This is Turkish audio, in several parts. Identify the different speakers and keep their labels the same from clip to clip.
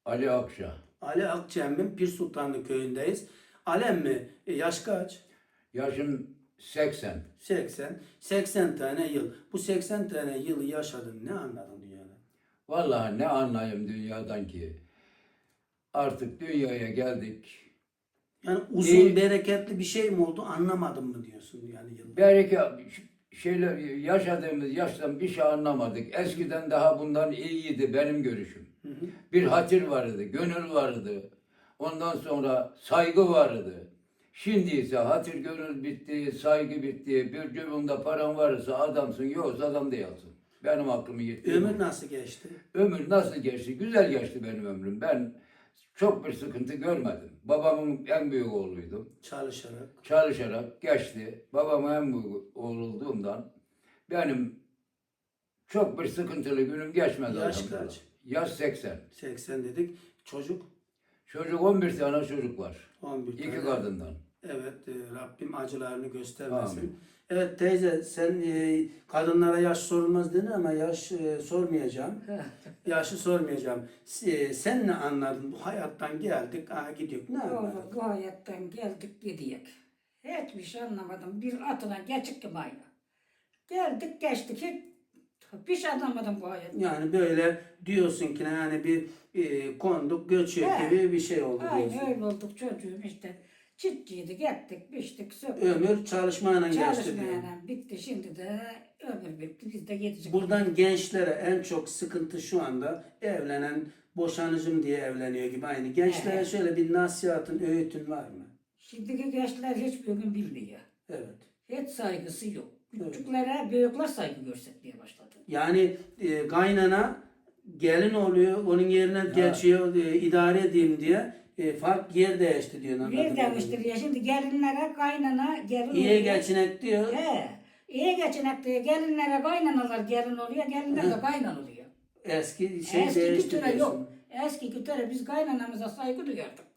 Speaker 1: Ali Akça.
Speaker 2: Ali Akçem'in Pir Sultanlı köyündeyiz. Alem mi? Yaş kaç?
Speaker 1: Yaşım 80.
Speaker 2: 80. 80 tane yıl. Bu 80 tane yılı yaşadın. Ne anladın dünyada?
Speaker 1: Vallahi ne anlayayım dünyadan ki. Artık dünyaya geldik.
Speaker 2: Yani uzun,
Speaker 1: İyi.
Speaker 2: bereketli bir şey mi oldu anlamadım mı diyorsun yani yıl?
Speaker 1: Belki şeyler yaşadığımız yaştan bir şey anlamadık. Eskiden daha bundan iyiydi benim görüşüm.
Speaker 2: Hı hı.
Speaker 1: Bir hatır vardı, gönül vardı. Ondan sonra saygı vardı. Şimdi ise hatır gönül bitti, saygı bitti. Bir cebinde paran varsa adamsın, yoksa adam değilsin. Benim aklımı yetti.
Speaker 2: Ömür nasıl geçti?
Speaker 1: Ömür nasıl geçti? Güzel geçti benim ömrüm. Ben çok bir sıkıntı görmedim. Babamın en büyük oğluydum.
Speaker 2: Çalışarak.
Speaker 1: Çalışarak geçti. Babamın en büyük oğlu olduğumdan benim çok bir sıkıntılı günüm geçmedi.
Speaker 2: Yaş
Speaker 1: elhamdülillah.
Speaker 2: kaç?
Speaker 1: Yaş 80.
Speaker 2: 80 dedik. Çocuk
Speaker 1: Çocuk 11 tane çocuk var.
Speaker 2: 11
Speaker 1: İki
Speaker 2: tane.
Speaker 1: kadından.
Speaker 2: Evet, Rabbim acılarını göstermesin.
Speaker 1: Amin.
Speaker 2: Evet teyze, sen kadınlara yaş sorulmaz dedin ama yaş sormayacağım. Yaşı sormayacağım. Sen ne anladın? Bu hayattan geldik, gidiyor. Ne anladın?
Speaker 3: Oğlum bu hayattan geldik gidiyor. Hiçbir şey anlamadım. Bir atına geçik gibi aynı. Geldik geçtik. Hiç şey anlamadım bu hayattan.
Speaker 2: Yani böyle diyorsun ki yani bir konduk, göçüyor
Speaker 3: He.
Speaker 2: gibi bir şey oldu diyorsun.
Speaker 3: Aynı öyle olduk çocuğum işte. Çiftçiydik, ettik, biçtik, söktük.
Speaker 2: Ömür çalışmayla geçti diyor.
Speaker 3: Çalışmayana bitti. Şimdi de ömür bitti. Biz de gidecek.
Speaker 2: Buradan gençlere en çok sıkıntı şu anda evlenen, boşanıcım diye evleniyor gibi aynı. Gençlere
Speaker 3: Evet.
Speaker 2: şöyle bir nasihatın, öğütün var mı?
Speaker 3: Şimdiki gençler hiçbir gün bilmiyor.
Speaker 2: Evet.
Speaker 3: Hiç saygısı yok.
Speaker 2: Evet.
Speaker 3: Küçüklere büyükler saygı göstermeye başladı.
Speaker 2: Yani kaynana gelin oluyor, onun yerine geçiyor, idare edeyim diye fark yer değişti diyor. anladın
Speaker 3: Bir
Speaker 2: mı?
Speaker 3: demiştir ya şimdi gelinlere kaynana gelin
Speaker 2: İyi
Speaker 3: oluyor.
Speaker 2: geçinek diyor.
Speaker 3: He. İyi geçinek diyor. Gelinlere kaynanalar gelin oluyor. Gelinler de kaynan oluyor.
Speaker 2: Eski şey
Speaker 3: Eski
Speaker 2: değişti
Speaker 3: kültüre
Speaker 2: diyorsun.
Speaker 3: yok. Eski kültüre biz kaynanamıza saygı duyardık.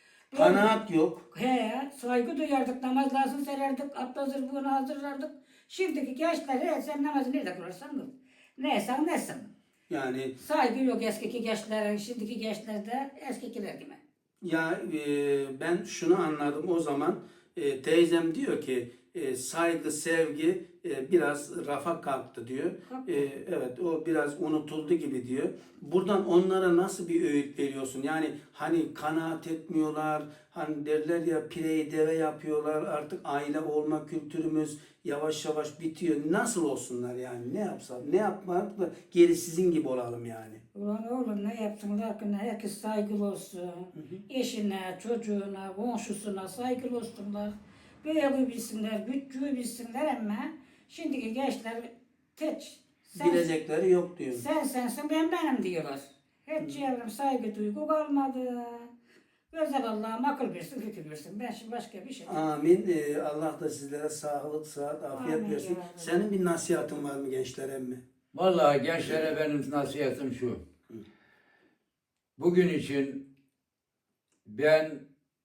Speaker 2: Kanaat yok.
Speaker 3: He, saygı duyardık, namazlarını sererdik, abdest zırhını hazırlardık. Şimdiki gençler, sen namazı nerede kılarsan kıl. Neysen nesin.
Speaker 2: Yani
Speaker 3: Saygı yok eskiki gençlerin, şimdiki gençlerde eskikiler gibi.
Speaker 2: ya ben şunu anladım o zaman. Teyzem diyor ki saygı, sevgi biraz rafa kalktı diyor.
Speaker 3: Kalktı.
Speaker 2: Evet o biraz unutuldu gibi diyor. Buradan onlara nasıl bir öğüt veriyorsun? Yani hani kanaat etmiyorlar, hani derler ya pireyi deve yapıyorlar, artık aile olma kültürümüz yavaş yavaş bitiyor. Nasıl olsunlar yani? Ne yapsak? Ne yapmak da geri sizin gibi olalım yani.
Speaker 3: Ulan oğlum ne yapsınlar ki herkes saygılı olsun. Eşine, çocuğuna, komşusuna saygılı olsunlar. Büyüğü bilsinler, küçüğü bilsinler ama şimdiki gençler teç.
Speaker 2: Bilecekleri yok diyor.
Speaker 3: Sen sensin ben benim diyorlar. Hiç çevrem saygı duygu kalmadı. Güzel Allah'ım akıl versin, fikir versin. Ben şimdi başka bir şey.
Speaker 2: Amin. Allah da sizlere sağlık, sıhhat, afiyet
Speaker 3: Amin
Speaker 2: versin.
Speaker 3: ya Rabbi.
Speaker 2: Senin bir nasihatın var mı gençlere mi?
Speaker 1: Vallahi gençlere benim nasihatim şu. Bugün için ben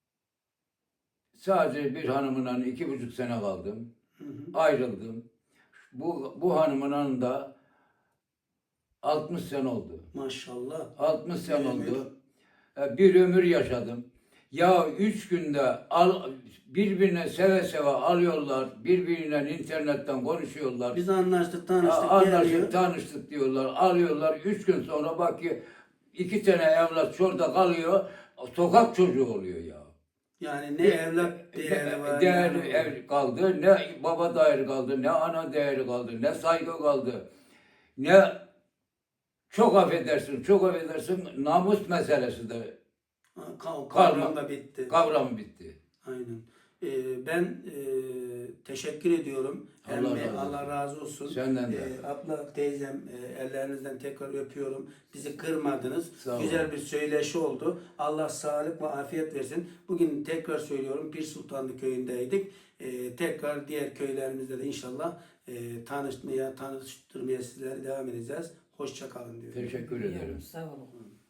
Speaker 1: sadece bir hanımla 2,5 sene kaldım. Ayrıldım. Bu hanımın yanında 60 sene oldu.
Speaker 2: Maşallah.
Speaker 1: 60 sene
Speaker 2: Bir
Speaker 1: oldu. Bir ömür yaşadım. Ya 3 günde birbirine seve seve alıyorlar. Birbiriyle internetten konuşuyorlar.
Speaker 2: Biz anlaştık, tanıştık,
Speaker 1: Anlaştık,
Speaker 2: geliyor.
Speaker 1: tanıştık diyorlar. Alıyorlar. 3 gün sonra bak ki 2 tane evlat şurada kalıyor. Sokak çocuğu oluyor ya.
Speaker 2: Yani ne evlat değeri var.
Speaker 1: Değerli
Speaker 2: yani.
Speaker 1: ev kaldı, ne baba değeri kaldı, ne ana değeri kaldı, ne saygı kaldı, ne çok affedersin, namus meselesi de
Speaker 2: Kavram da bitti.
Speaker 1: kavramı bitti.
Speaker 2: Aynen. Ben teşekkür ediyorum. Hem
Speaker 1: Allah razı olsun.
Speaker 2: Allah razı olsun.
Speaker 1: Senden de.
Speaker 2: Abla, teyzem ellerinizden tekrar öpüyorum. Bizi kırmadınız.
Speaker 1: Sağ olun.
Speaker 2: Güzel bir söyleşi oldu. Allah sağlık ve afiyet versin. Bugün tekrar söylüyorum Pir Sultanlı köyündeydik. Tekrar diğer köylerimizde de inşallah tanıştırmaya sizlere devam edeceğiz. Hoşça kalın diyorum.
Speaker 1: Teşekkür ederim.
Speaker 3: Sağ olun.